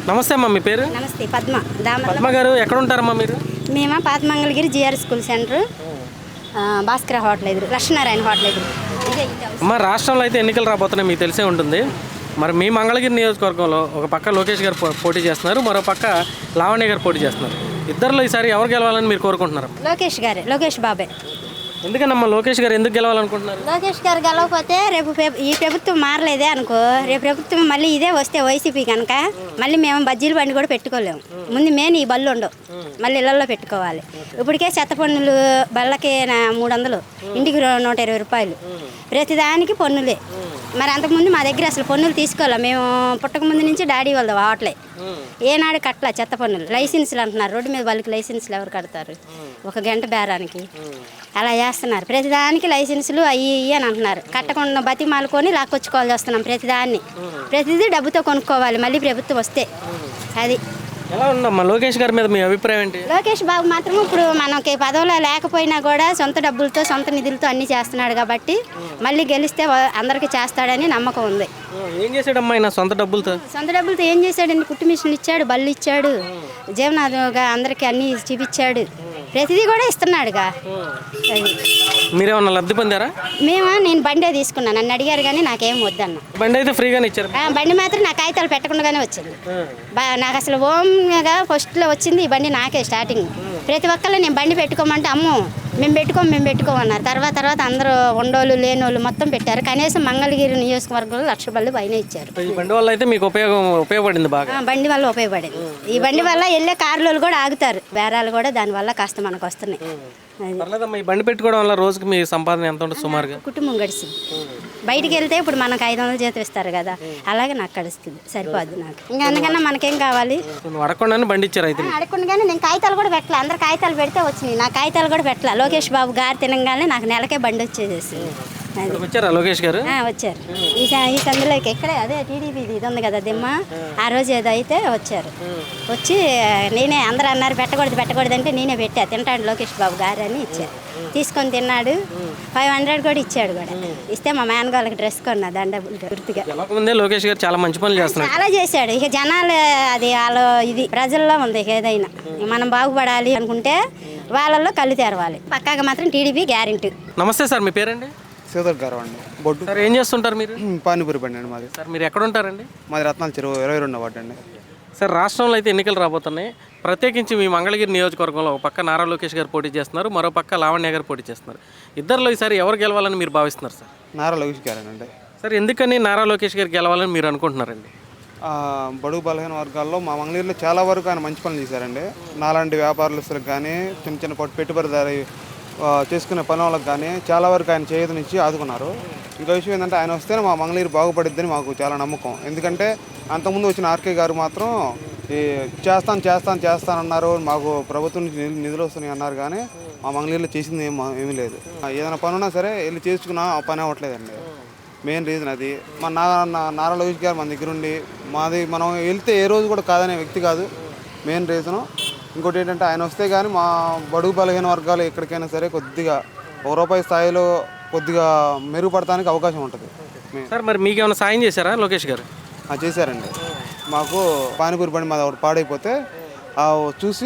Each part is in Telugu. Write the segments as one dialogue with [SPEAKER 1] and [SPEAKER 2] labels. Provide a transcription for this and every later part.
[SPEAKER 1] నమస్తే అమ్మా, మీ పేరు?
[SPEAKER 2] నమస్తే, పద్మ.
[SPEAKER 1] పద్మ గారు, ఎక్కడ ఉంటారమ్మా మీరు?
[SPEAKER 2] మేము Pathamangalagiri G R school centre, Bhaskara hotel ఎదురు, లక్ష్మీనారాయణ హోటల్ ఎదురు.
[SPEAKER 1] అమ్మా, రాష్ట్రంలో అయితే ఎన్నికలు రాబోతున్నాయి, మీకు తెలిసే ఉంటుంది. మరి మీ మంగళగిరి నియోజకవర్గంలో ఒక పక్క లోకేష్ గారు పోటీ చేస్తున్నారు, మరో పక్క లావణ్య గారు పోటీ చేస్తున్నారు. ఇద్దరిలో ఈసారి ఎవరు గెలవాలని మీరు కోరుకుంటున్నారు?
[SPEAKER 2] లోకేష్ బాబే.
[SPEAKER 1] ఎందుకనమ్మా లోకేష్ గారు ఎందుకు గెలవాలనుకుంటున్నారు?
[SPEAKER 2] లోకేష్ గారు గెలవకపోతే రేపు ఈ ప్రభుత్వం మారలేదే అనుకో, రేపు ప్రభుత్వం మళ్ళీ ఇదే వస్తే వైసీపీ కనుక మళ్ళీ మేము బజ్జీల బండి కూడా పెట్టుకోలేము. ముందు మెయిన్ ఈ బళ్ళు ఉండవు, మళ్ళీ ఇళ్లలో పెట్టుకోవాలి. ఇప్పటికే చెత్త పన్నులు బళ్ళకి 300, ఇంటికి 120 రూపాయలు, ప్రతిదానికి పన్నులే. మరి అంతకుముందు మా దగ్గర అసలు పన్నులు తీసుకోవాలి. మేము పుట్టక ముందు నుంచి డాడీ వాళ్ళది హోటలే, ఏనాడు కట్టలా చెత్త పన్నులు. లైసెన్సులు అంటున్నారు, రోడ్డు మీద వాళ్ళకి లైసెన్సులు ఎవరు కడతారు? ఒక గంట బేరానికి అలా చేస్తున్నారు. ప్రతిదానికి లైసెన్సులు అయ్యి అని అంటున్నారు. కట్టకుండా బతిమాలుకొని లాక్కొచ్చుకోవాల్సి వస్తున్నాం. ప్రతిదీ డబ్బుతో కొనుక్కోవాలి మళ్ళీ ప్రభుత్వం వస్తే. అది
[SPEAKER 1] ఎలా ఉందమ్మా లోకేష్ గారి మీద మీ అభిప్రాయం ఏంటి?
[SPEAKER 2] లోకేష్ బాబు మాత్రం ఇప్పుడు మనకి పదవిలో లేకపోయినా కూడా సొంత డబ్బులతో సొంత నిధులతో అన్నీ చేస్తున్నాడు కాబట్టి మళ్ళీ గెలిస్తే అందరికీ చేస్తాడని నమ్మకం ఉంది.
[SPEAKER 1] ఏం చేశాడమ్మా ఆయన సొంత డబ్బులతో?
[SPEAKER 2] ఏం చేశాడండి? కుట్టు మిషన్లు ఇచ్చాడు, బళ్ళు ఇచ్చాడు, జీవనాధిగా అందరికీ అన్నీ చూపించాడు. ప్రతిదీ కూడా ఇస్తున్నాడుగా.
[SPEAKER 1] మీరేమన్నా లబ్ధి పొందారా?
[SPEAKER 2] నేను బండే తీసుకున్నాను, నన్ను అడిగారు కానీ నాకేం వద్దన్న.
[SPEAKER 1] బండి అయితే ఫ్రీగానే ఇచ్చారు?
[SPEAKER 2] బండి మాత్రం నా కాగితాలు పెట్టకుండానే వచ్చింది. నాకు అసలు ఓమ్గా ఫస్ట్లో వచ్చింది ఈ బండి నాకే స్టార్టింగ్. ప్రతి ఒక్కళ్ళు నేను బండి పెట్టుకోమంటే అమ్మో మేము పెట్టుకోమన్నారు. తర్వాత అందరూ ఉండోళ్ళు లేనోళ్ళు మొత్తం పెట్టారు. కనీసం మంగళగిరి నియోజకవర్గంలో 1,00,000 బళ్ళు పైన ఇచ్చారు.
[SPEAKER 1] ఈ బండి వల్ల అయితే మీకు ఉపయోగపడింది బాగా?
[SPEAKER 2] బండి వల్ల ఉపయోగపడింది. ఈ బండి వల్ల వెళ్ళే కార్లు కూడా ఆగుతారు, బేరాలు కూడా దానివల్ల కాస్త మనకు వస్తున్నాయి.
[SPEAKER 1] పర్లేదమ్మా, ఈ బండి పెట్టుకోవడం వల్ల రోజుకి మీ సంపాదన ఎంత ఉంటుంది సుమారుగా?
[SPEAKER 2] కుటుంబం గడిచింది. బయటికి వెళ్తే ఇప్పుడు మనకు 500 జీతం ఇస్తారు కదా, అలాగే నాకు గడుస్తుంది, సరిపోద్ది నాకు. ఇంకా అందుకన్నా మనకేం కావాలి?
[SPEAKER 1] అడగకుండానే బండి ఇచ్చారు అయితే?
[SPEAKER 2] అడగకుండానే నేను కాగితాలు కూడా పెట్టలే. అందరు కాగితాలు పెడితే వచ్చినాయి, నా కాగితాలు కూడా పెట్టలే. లోకేష్ బాబు గారు తినగానే నాకు నెలకే బండి వచ్చేసేసి.
[SPEAKER 1] వచ్చారా లోకేష్ గారు?
[SPEAKER 2] వచ్చారు. ఈ సందులోకి ఎక్కడే అదే టీడీపీ ఇది ఉంది కదా దిమ్మ, ఆ రోజు ఏదో అయితే వచ్చారు. వచ్చి నేనే అందరూ అన్నారు పెట్టకూడదు అంటే నేనే పెట్టా, తింటాడు లోకేష్ బాబు గారు అని ఇచ్చారు. తీసుకొని తిన్నాడు. 500 కూడా ఇచ్చాడు. కూడా ఇస్తే మా మేనగాళ్ళకి డ్రెస్ కొన్నా దండ గుర్తుగా.
[SPEAKER 1] లోకేష్ గారు చాలా మంచి పనులు చేస్తున్నారు,
[SPEAKER 2] చాలా చేశాడు. ఇక జనాలు అది వాళ్ళ ఇది ప్రజల్లో ఉంది. ఇక ఏదైనా మనం బాగుపడాలి అనుకుంటే వాళ్ళల్లో కళ్ళు తెరవాలి. పక్కాగా మాత్రం టీడీపీ గ్యారెంటీ.
[SPEAKER 1] నమస్తే సార్, మీ పేరండి?
[SPEAKER 3] శ్రీధర్ గారు అండి. బొడ్డు
[SPEAKER 1] సార్, ఏం చేస్తుంటారు మీరు?
[SPEAKER 3] పానీపూరి బండి అండి మాది.
[SPEAKER 1] సార్, మీరు ఎక్కడ ఉంటారండి?
[SPEAKER 3] మాది రత్నాల చెరువు 22వ వార్డు అండి.
[SPEAKER 1] సార్, రాష్ట్రంలో అయితే ఎన్నికలు రాబోతున్నాయి. ప్రత్యేకించి మీ మంగళగిరి నియోజకవర్గంలో ఒక పక్క నారా లోకేష్ గారు పోటీ చేస్తున్నారు, మరో పక్క లావణ్య గారు పోటీ చేస్తున్నారు. ఇద్దరిలో ఈసారి ఎవరు గెలవాలని మీరు భావిస్తున్నారు సార్?
[SPEAKER 3] నారా లోకేష్ గారేనండి.
[SPEAKER 1] సార్, ఎందుకని నారా లోకేష్ గారు గెలవాలని మీరు అనుకుంటున్నారండి?
[SPEAKER 3] బడుగు బలహీన వర్గాల్లో మా మంగళగిరిలో చాలా వరకు ఆయన మంచి పనులు చేశారండి. నాలాంటి వ్యాపారస్తులకు కానీ చిన్న పెట్టుబడిదారి చేసుకునే పని వాళ్ళకి కానీ చాలా వరకు ఆయన చేయూతనిచ్చి ఆదుకున్నారు. ఇంకో విషయం ఏంటంటే ఆయన వస్తేనే మా మంగళగిరి బాగుపడిద్దని మాకు చాలా నమ్మకం. ఎందుకంటే అంతకుముందు వచ్చిన ఆర్కే గారు మాత్రం ఈ చేస్తానన్నారు, మాకు ప్రభుత్వం నుంచి నిధులు వస్తున్నాయి అన్నారు, కానీ మా మంగళగిరిలో చేసింది ఏమీ లేదు. ఏదైనా పని ఉన్నా సరే వెళ్ళి చేసుకున్నా ఆ పని అవ్వట్లేదండి. మెయిన్ రీజన్ అది. మా నారా లోకేష్ గారు మన దగ్గర ఉండి మనం వెళ్తే ఏ రోజు కూడా కాదనే వ్యక్తి కాదు, మెయిన్ రీజను. ఇంకోటి ఏంటంటే ఆయన వస్తే కానీ మా బడుగు బలహీన వర్గాలు ఎక్కడికైనా సరే కొద్దిగా ₹1 స్థాయిలో కొద్దిగా మెరుగుపడటానికి అవకాశం ఉంటుంది.
[SPEAKER 1] సార్, మరి మీకు ఏమైనా సాయం చేశారా లోకేష్ గారు?
[SPEAKER 3] చేశారండి. మాకు పానీపూరి బండి మాది ఒకటి పాడైపోతే చూసి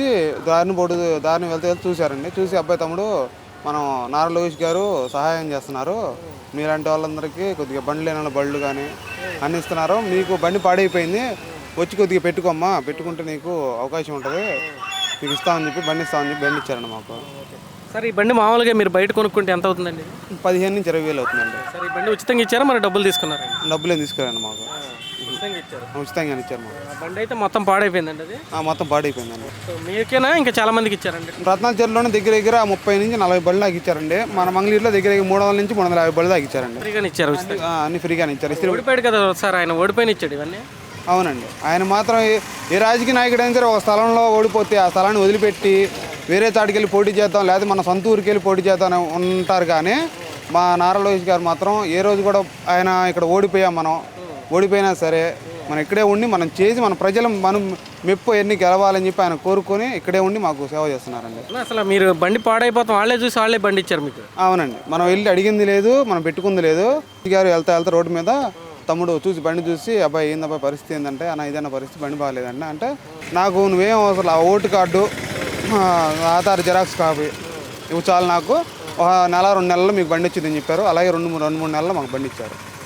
[SPEAKER 3] దారిని వెళ్తే చూశారండి. చూసి అబ్బాయి తమ్ముడు మనం నారా లోకేష్ గారు సహాయం చేస్తున్నారు, మీలాంటి వాళ్ళందరికీ కొద్దిగా బండ్లు లేని బళ్ళు కానీ అన్ని ఇస్తున్నారు, మీకు బండి పాడైపోయింది వచ్చి కొద్దిగా పెట్టుకోమ్మా, పెట్టుకుంటే నీకు అవకాశం ఉంటుంది, మీకు ఇస్తామని చెప్పి బండి బండి ఇచ్చారండి మాకు.
[SPEAKER 1] సార్, ఈ బండి మామూలుగా మీరు బయట కొనుక్కుంటే ఎంత అవుతుందండి?
[SPEAKER 3] 15,000 నుంచి 20,000 అవుతుందండి.
[SPEAKER 1] సార్, ఈ బండి ఉచితంగా ఇచ్చారా మరి డబ్బులు తీసుకున్నారా?
[SPEAKER 3] డబ్బులు ఏం తీసుకురండి మాకు, ఉచితంగా ఇచ్చారు మాకు.
[SPEAKER 1] బండి అయితే మొత్తం పాడైపోయిందండి? అది
[SPEAKER 3] మొత్తం పాడైపోయిందండి.
[SPEAKER 1] మీకేనా ఇంకా చాలా మందికి ఇచ్చారండి?
[SPEAKER 3] రత్నాల చెరువులోనే దగ్గర 30 నుంచి 40 బళ్ళు దాకా ఇచ్చారండి. మన మంగళగిరిలో దగ్గర 300 నుంచి 350 బళ్ళు దాకా ఇచ్చారండి.
[SPEAKER 1] ఫ్రీగానే ఇచ్చారు?
[SPEAKER 3] అన్ని ఫ్రీగానే ఇచ్చారు.
[SPEAKER 1] ఓడిపోయాడు కదా సార్, ఆయన ఓడిపోయిన ఇచ్చాడు ఇవన్నీ?
[SPEAKER 3] అవునండి. ఆయన మాత్రం ఏ రాజకీయ నాయకుడు అయినా సరే ఒక స్థలంలో ఓడిపోతే ఆ స్థలాన్ని వదిలిపెట్టి వేరే చాటుకి వెళ్ళి పోటీ చేద్దాం, లేకపోతే మన సొంత ఊరికి వెళ్ళి పోటీ చేద్దాం ఉంటారు. కానీ మా నారా లోకేష్ గారు మాత్రం ఏ రోజు కూడా ఆయన ఇక్కడ ఓడిపోయినా సరే మనం ఇక్కడే ఉండి మనం చేసి మన ప్రజలు మనం మెప్పు ఎన్ని గెలవాలని చెప్పి ఆయన కోరుకొని ఇక్కడే ఉండి మాకు సేవ చేస్తున్నారండి.
[SPEAKER 1] అసలు మీరు బండి పాడైపోతాం వాళ్ళే చూసి వాళ్ళే బండి ఇచ్చారు మీకు?
[SPEAKER 3] అవునండి. మనం వెళ్ళి అడిగింది లేదు, మనం పెట్టుకుంది లేదు. గారు వెళ్తా రోడ్డు మీద తమ్ముడు చూసి బండి చూసి అబ్బాయి ఏందబ్బాయి పరిస్థితి ఏంటంటే అన్న ఇదన్న పరిస్థితి బండి బాగాలేదండి అంటే నాకు నువ్వేం అవసరం ఆ vote card Aadhaar xerox copy ఇవి చాలు నాకు ఒక నెల 2 నెలల్లో మీకు బండి వచ్చిందని చెప్పారు. అలాగే 2-3 నెలల్లో మాకు బండి ఇచ్చారు.